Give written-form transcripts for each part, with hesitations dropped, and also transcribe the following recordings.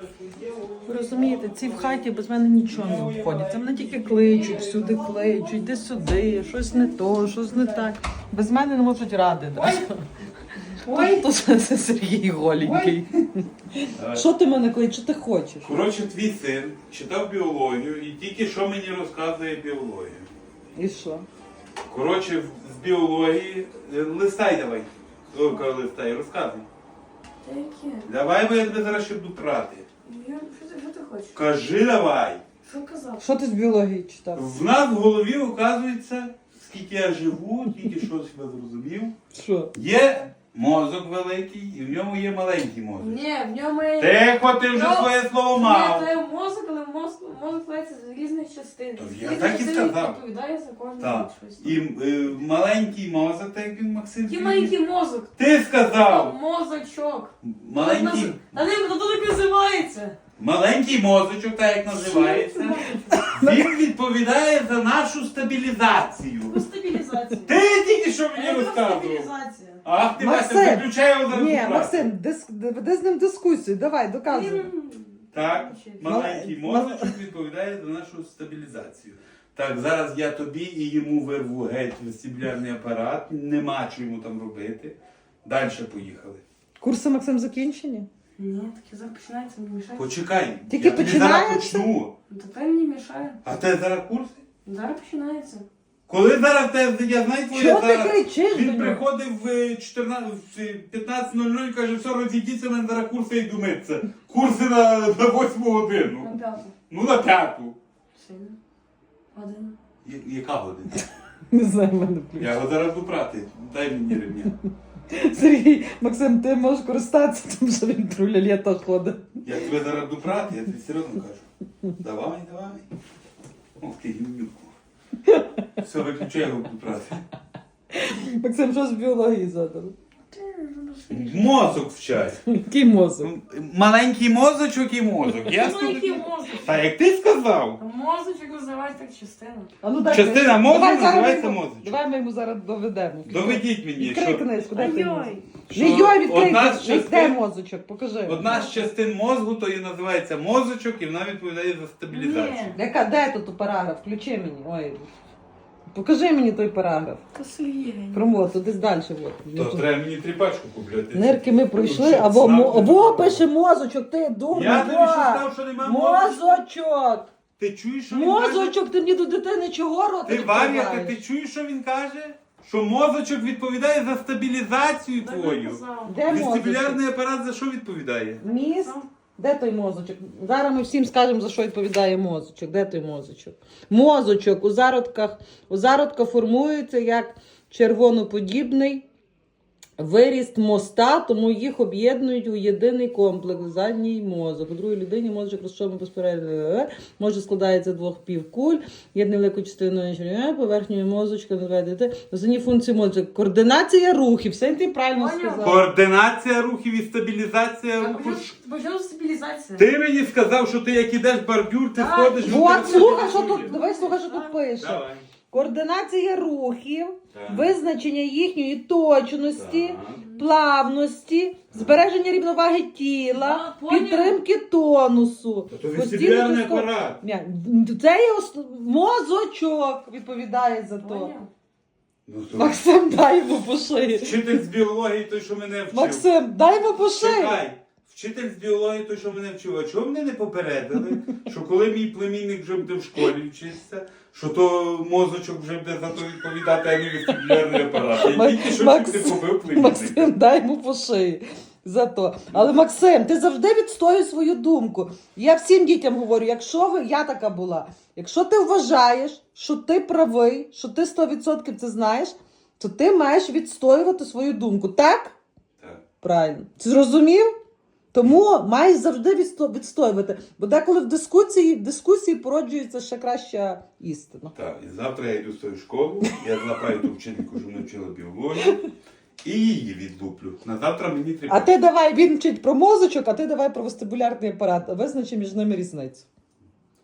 Ви розумієте, ці в хаті без мене нічого не обходять. Мене тільки кличуть, всюди кличуть, йди сюди, щось не то, щось не так. Без мене не можуть ради. Тут Сергій голенький. Що ти мене кличеш, що ти хочеш? Коротше, твій син читав біологію і тільки що мені розказує біологію. І що? Коротше, з біології... Листай давай. Листай, розказуй. Та яке? Давай, бо я тебе зараз ще буду прати. Що ти хочеш? Кажи давай. Що казав? Що ти з біології читав? В нас в голові, оказується, скільки я живу, тільки щось я зрозумів. Що? Є мозок великий і в ньому є маленький мозок. Ні, в ньому є... Тихо, ти вже своє слово мав. Ні, то є мозок, але мозок складається з різних частин. То я Різні так і частини сказав. відповідає за кожну Так. щось. І маленький мозок, так як він Максим. Який сказав. маленький мозок? Ти сказав! Мозочок. Маленький, Та не, то так називається. маленький мозочок, так як називається, він відповідає за нашу стабілізацію. Яку стабілізацію? Ти тільки що мені Яка розказував. стабілізація? Ах, ти Максим! Вася, виключай його зараз. Ні, брати. Максим, веди з ним дискусію, давай, доказуй. Так, маленький мозочок відповідає за нашу стабілізацію. Так, зараз я тобі і йому вирву геть вестибулярний апарат, нема що йому там робити. Далі поїхали. Курси, Максим, закінчені? Ні, таке зараз починається, не мішає. Почекай, Тільки я тобі зараз починається? почну. Та не мішає. А те зараз курси? Зараз починається. Коли зараз те, я знаю твоє Чого ти зараз. кричиш до Він нього? приходив в 15:00 і каже, все, розійдіться, мене зараз курси йду митися. Курси на 8 годину. На п'яту. Ну на 5. Сильно. Година. Яка година? Не знаю, в мене ключ. Я його зараз буду прати. Дай мені ремня. Сергій, Максим, ти можеш користатися, тому що він трулялєта ходить. Я тебе зараз буду прати, я тобі серйозно кажу. Давай, давай. Ох ти гімнюку. Все, виключай, я його буду прати. Максим, що з біології задали? Мозок вчать. Який мозок? Маленький мозочок і мозок. Маленький мозок. Та як ти сказав? Мозочок називають так частину. А ну, дай, Частина мозку давай зараз називається ми йому- мозочок. Давай ми йому зараз доведемо. Доведіть мені, Відкрий що книжку, дай ти йому. Ой-ой. що Не йой, відкрий одна з книжку. Де частин, мозочок, покажи. одна з частин мозку, то і називається мозочок, і вона відповідає за стабілізацію. Ні. Де тут параграф? Включи мені. Ой. Покажи мені той параграф. То Сергій. Промот, десь далі. То треба мені тріпачку купляти. Нирки ми пройшли, Ще або знав. пише мозочок, ти дурний. Я тобі що сказав, що нема мозочку? Мозочок! Ти чуєш, що він каже? Мозочок, ти мені до дитини чого рота Ти Варя, ти чуєш, що він каже? Що мозочок відповідає за стабілізацію твою. Де мозочок? Вестибулярний апарат за що відповідає? Міст? Де той мозочок? Зараз ми всім скажемо, за що відповідає мозочок. Де той мозочок? Мозочок у зародках формується як червоноподібний виріст моста, тому їх об'єднують у єдиний комплекс – задній мозок. У другій людині мозочок розчовує безперервно, може складається з двох півкуль, єдною великою частиною поверхньою мозочка, основні функції мозочка. Координація рухів, все ти правильно Поняв. сказав. Координація рухів і стабілізація. Почала стабілізація. Ти мені сказав, що ти як ідеш бордюр, ти Так. ходиш... Вот, слухай, що тут, давай слухай, що тут пише. Давай. Координація рухів, Так. визначення їхньої точності, Так. плавності, збереження рівноваги тіла, А, поняв. підтримки тонусу. Та то постійне вестибулярний диско- апарат. Це є мозочок відповідає за то. Поняв? Ну, то... Максим, дай йому по шиї. Вчитель з біології той, що мене вчив. Максим, дай йому по шиї. Чекай. Вчитель з біології той, що мене вчив. А чого мене не попередили? Що коли мій племінник вже буде в школі вчитися, що то мозочок вже буде за то відповідати, а не вестибулярний апарат. Я тільки що Макс- чуть не побив племінника. Максим, дай йому по шиї. За то. Але Максим, ти завжди відстоюєш свою думку. Я всім дітям говорю, я така була, якщо ти вважаєш, що ти правий, що ти 100% це знаєш, то ти маєш відстоювати свою думку. Так? Так. Правильно. Ти зрозумів? Тому маєш завжди відстоювати. Бо деколи в дискусії породжується ще краща істина. Так, і завтра я йду в свою школу, я злапаю ту вчительку, що мене вчила біологію, і її відлуплю. На завтра мені треба. А ти давай, він вчить про мозочок, а ти давай про вестибулярний апарат. Визначи між ними різницю.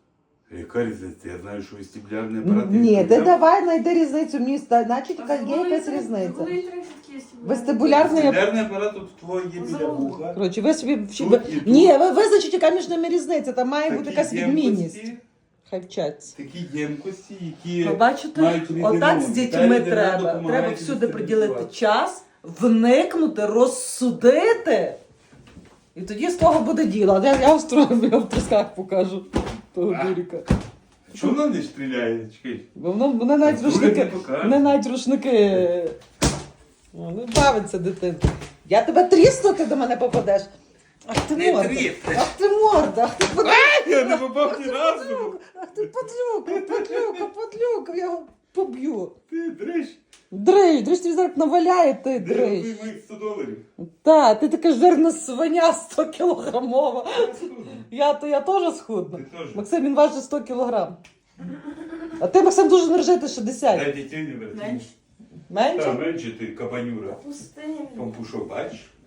Яка різниця? Я знаю, що вестибулярний апарат... Ні, ти давай знайди різницю. Мені значить, А є якась різниця. Коли трішки є Вестибулярний Вестибулярний апарат тут твоє є біля вуха. Коротше, ви собі... Тут і тут. Ні, ви визначите, яка між ними різниця. Там має бути Такі якась відмінність. ємкості, Хай вчаться. такі ємкості, які Ви бачите, мають різний отак з номер. дітьми Та рідина треба. допомагає Треба всюди приділити стабілізувати. час, вникнути, розсудити. І тоді з того буде діло. Я в трусках покажу того А. дуріка. Чому вона не стріляє? Чекай. Бо вони навіть Дурик не рушники. покаже. Вони навіть рушники. Ну, бавиться дитинка. Я тебе трісну, ти до мене попадеш. Ах ти Не морда. тріснеш. Ах ти морда. Ах ти Я не попав ні разу. Ах ти подлюка, я його поб'ю. Ти дрищ. Дрищ тобі зараз наваляє, ти Ти дрищ. рахуй моїх $100. Та, ти така жирна свиня 100 кілограмова. Я теж схудна. Ти теж. Максим, він важить 100 кілограм. А ти, Максим, дуже нержити 60. Дай дітей не верти. Менше. Менше? Та менше ти кабанюра. Пустиня. Пампушок, бачиш?